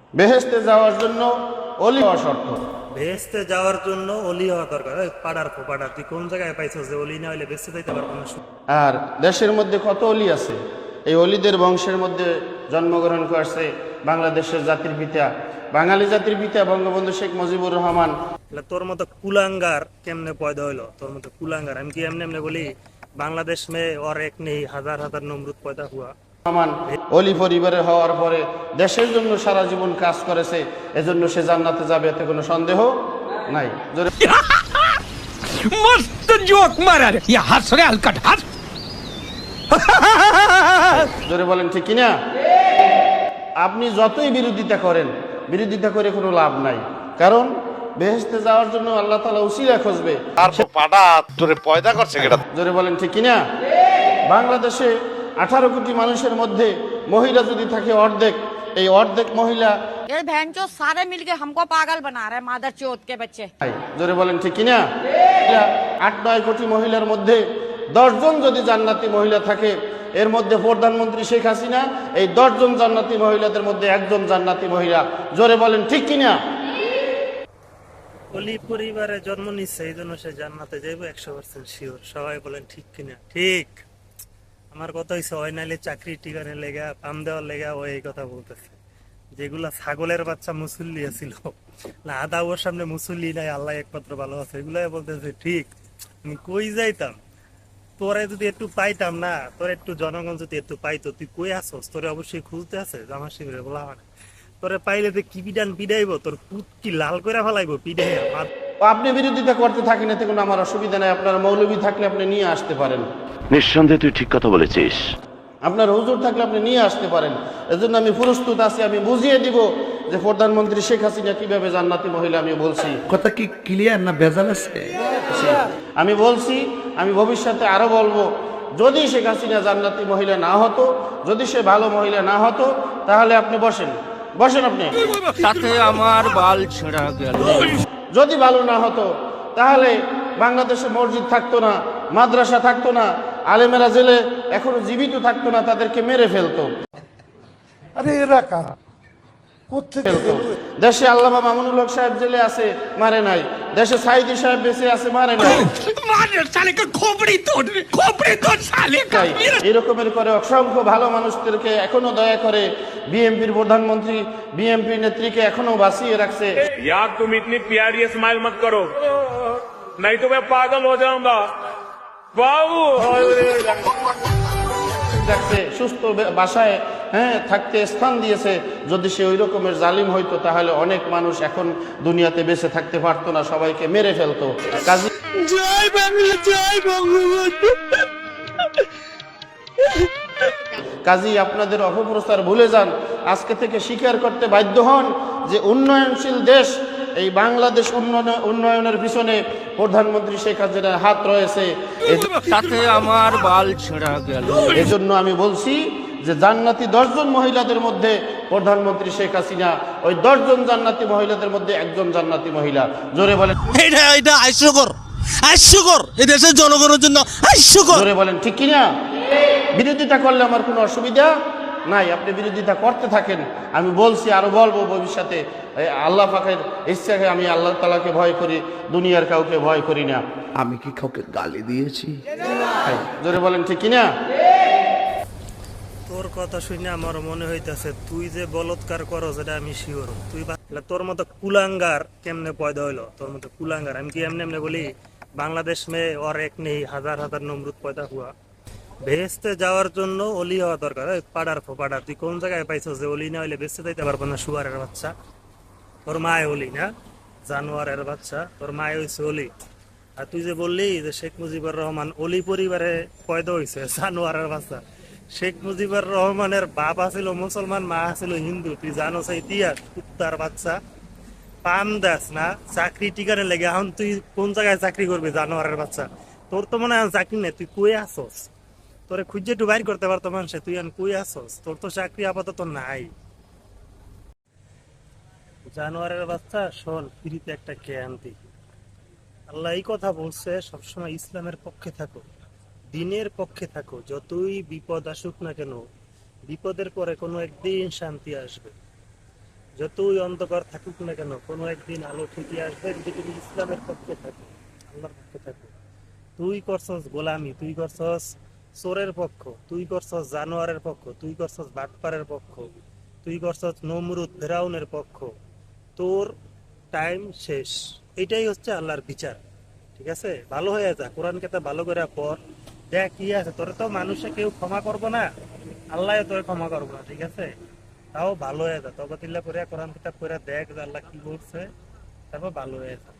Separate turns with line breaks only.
বেহেশতে যাওয়ার জন্য অলি হওয়া শর্ত।
বেহেশতে যাওয়ার জন্য অলি হওয়া দরকার। ওই পাড়ার ফোপাড়া, তুই কোন জায়গায় পাইছস যে অলি না হইলে বেঁচে যাইতে পারবো না?
আর দেশের মধ্যে কত অলি আছে, এই অলিদের বংশের মধ্যে জন্মগ্রহণ করছে বাংলাদেশের জাতির পিতা, বাঙালি জাতির পিতা বঙ্গবন্ধু শেখ মুজিবুর রহমান।
তোর মতো কুলাঙ্গার কেমনে পয়দা হইলো? তোর মতো কুলাঙ্গার আমি কি এমনি এমনি বলি বাংলাদেশ মে और एक नहीं হাজার হাজার নমরুদ পয়দা হুয়া।
রহমান অলি পরিবারের হওয়ার পরে দেশের জন্য সারা জীবন কাজ করেছে, এজন্য সে জান্নাতে যাবে, এতে কোনো সন্দেহ নাই। জোরে
मस्त जोक मारा रे ये हंस रे हलकट हंस
জোরে বলেন ঠিক কিনা? আপনি যতই বিরোধিতা করেন, বিরোধিতা করে কোনো লাভ নাই, কারণ বেহেশতে যাওয়ার জন্য আল্লাহ তাআলা উসিলা খুঁজবে।
আর পাটা তোরে পয়দা করছে কেটা?
জোরে বলেন ঠিক কিনা? বাংলাদেশে 18 কোটি মানুষের মধ্যে মহিলা যদি থাকে অর্ধেক, এই অর্ধেক মহিলা
ये बहन चो सारे मिलके हमको पागल बना रहे मादर चौथ के बच्चे।
জোরে বলেন ঠিক কিনা? 8-9 কোটি মহিলার মধ্যে 10 জন যদি জান্নাতি মহিলা থাকে, এর মধ্যে প্রধানমন্ত্রী শেখ হাসিনা এই 10 জন জান্নাতি মহিলাদের মধ্যে একজন জান্নাতি মহিলা। জোরে বলেন ঠিক কিনা?
অলি পরিবারে জন্ম নিচ্ছে এই জন্য সে জান্নাতে যাইব 100% শিওর। সবাই বলেন ঠিক কিনা? ঠিক। আমার কথা হইছে ওই নাইলে চাকরি টিকানের লেগা পাম দেওয়ার লেগা ও এই কথা বলতেছে। যেগুলা ছাগলের বাচ্চা মুসল্লি ছিল না, আদা ওর সামনে মুসল্লি নাই, আল্লাহ একমাত্র ভালো আছে, এগুলাই বলতেছে ঠিক। আমি কই যাইতাম তোরে যদি একটু পাইতাম না, তোর একটু জনগণ যদি একটু পাইতো, তুই কই আসস? তোরে অবশ্যই খুঁজতে আছে জামা শিবিরে বলা হয়। তোরে পাইলে যে কি বিধান পিডাইবো, তোর পুত কি লাল করে ফেলাইবো পিডাইয়া।
আপনি বিরোধিতা করতে থাকেন, এতে কোনো আমার অসুবিধা নাই। আপনার মৌলবী থাকলে আপনি নিয়ে আসতে পারেন,
নিঃসন্দেহে তুই ঠিক কথা বলেছিস।
আপনার হুজুর থাকলে আপনি নিয়ে আসতে পারেন। এজন্য আমি প্রস্তুত আছি, আমি বুঝিয়ে দিব যে প্রধানমন্ত্রী শেখ হাসিনা কিভাবে জান্নাতি মহিলা। আমি বলছি
কথা কি ক্লিয়ার না ভেজাল আছে?
আমি বলছি, আমি ভবিষ্যতে আরো বলবো, যদি শেখ হাসিনা জান্নাতি মহিলা না হতো, যদি সে ভালো মহিলা না হতো, তাহলে আপনি বসেন, বসেন আপনি।
साथे আমার বাল ছেঁড়া গেল।
যদি ভালো না হতো তাহলে বাংলাদেশে মসজিদ থাকতো না, মাদ্রাসা থাকতো না, আলেমেরা জেলে এখনো জীবিত থাকতো না, তাদেরকে মেরে ফেলতো।
আরে এরা কারা? কোত্থেকে
দেশে আল্লামা মামুনুল হক সাহেব জেলে আছে, মারে নাই। দেশে সাইদি সাহেব বেঁচে আছে, মারে নাই।
मार साले का खोपड़ी तोड़ साले का।
তাই এরকমের করে অসংখ্য ভালো মানুষদেরকে এখনো দয়া করে বিএনপির প্রধানমন্ত্রী, বিএনপি নেত্রীকে এখনো বাঁচিয়ে রাখছে।
यार तुम इतनी प्यारी स्माइल मत करो, नहीं तो मैं पागल हो जाऊंगा बाबू।
রাখছে সুস্থ বাসায়, হ্যাঁ, থাকতে স্থান দিয়েছে। যদি সে ওই রকমের জালিম হইতো তাহলে অনেক মানুষ এখন দুনিয়াতে বেঁচে থাকতে পারতো না, সবাইকে মেরে ফেলতো। কাজী
জয় বাংলা, জয় বঙ্গবন্ধু।
কাজী আপনাদের অপপ্রচার ভুলে যান, আজকে থেকে স্বীকার করতে বাধ্য হন যে উন্নয়নশীল দেশ এই বাংলাদেশ উন্নয়নের পিছনে প্রধানমন্ত্রী শেখ হাসিনার হাত রয়েছে।
সাথে আমার বাল ছেঁড়া গেল।
এজন্য আমি বলছি যে জান্নাতি 10 জন মহিলাদের মধ্যে প্রধানমন্ত্রী শেখ হাসিনা ওই 10 জন জান্নাতি মহিলাদের মধ্যে একজন জান্নাতি মহিলা। জোরে বলেন,
এটা হাস্যকর এই দেশের জনগণের জন্য হাস্যকর।
জোরে বলেন ঠিক কিনা? বিরোধিতা করলে আমার কোনো অসুবিধা নাই, আপনি বিরোধিতা করতে থাকেন। আমি বলছি, আরো বলবো ভবিষ্যতে। আল্লাহ পাকের ইচ্ছাকে আমি আল্লাহ তাআলাকে ভয় করি, দুনিয়ার কাউকে ভয় করি না।
আমি কি কাউকে গালি দিয়েছি?
জোরে বলেন ঠিক কিনা?
তোর কথা শুনে আমার মনে হইতাছে তুই যে বলৎকার করো যেটা আমি শিওর। তুই তোর মতো কুলাঙ্গার কেমনে পয়দা হইলো? তোর মতো কুলাঙ্গার আমি কি এমনি এমনি বলি বাংলাদেশ মে और एक नहीं হাজার হাজার নমরুদ পয়দা হুয়া। বেহেশতে যাওয়ার জন্য অলি হওয়া দরকার। ওই পাড়ার ফোপাড়া, তুই কোন জায়গায় পাইছস যে অলি না হইলে বেঁচে যাইতে পারবো না? শুয়ারের বাচ্চা, তোর মায় অলি না, জানোয়ারের বাচ্চা, তোর মায় হইছে অলি। আর তুই যে বললি যে শেখ মুজিবুর রহমান অলি পরিবারে পয়দা হইছে, জানোয়ারের বাচ্চা। শেখ মুজিবুর রহমানের বাপ ছিল মুসলমান, মা ছিল হিন্দু। তুই জানো সেই ইতিহাস? কুত্তার বাচ্চা, পাম দাস না, চাকরি টিকানে লেগে এখন তুই কোন জায়গায় চাকরি করবি? জানোয়ারের বাচ্চা, তোর তো মনে হয় চাকরি নেই। তুই কই আসস? তোরে খুঁজে একটু বাইর করতে পারতো মানুষে, তুই এখন কই আসস? তোর তো চাকরি আপাতত নাই। জানোয়ারের বাচ্চা, শোন, ফ্রিতে একটা জ্ঞান দিই। আল্লাহ এই কথা বলছে, সবসময় ইসলামের পক্ষে থাকো, দিনের পক্ষে থাকো। যতই বিপদ আসুক না কেন, বিপদের পরে কোনো একদিন শান্তি আসবে। যতই অন্ধকার থাকুক না কেন, কোনো একদিন আলো ঠিকই আসবে যদি তুমি ইসলামের পক্ষে থাকো, আল্লাহর পক্ষে থাকো। তুই করছস গোলামি, তুই করছস চোরের পক্ষ, তুই করছস জানোয়ারের পক্ষ, তুই করছস বাটপারের পক্ষ, তুই করছস নমরুদ ফেরাউনের পক্ষ, তোর টাইম শেষ। এটাই হচ্ছে আল্লাহর বিচার, ঠিক আছে? ভালো হয়ে যা, কোরআন কেতাব ভালো করে পড়, দেখ কি আছে। তোরে তো মানুষে কেউ ক্ষমা করবো না, আল্লাহ তোরে ক্ষমা করবো না, ঠিক আছে? তাও ভালো হয়ে যা, তবে তিল্লা করে কোরআন কিতাব করে দেখ যে আল্লাহ কি বলছে, তারপর ভালো হয়ে যা।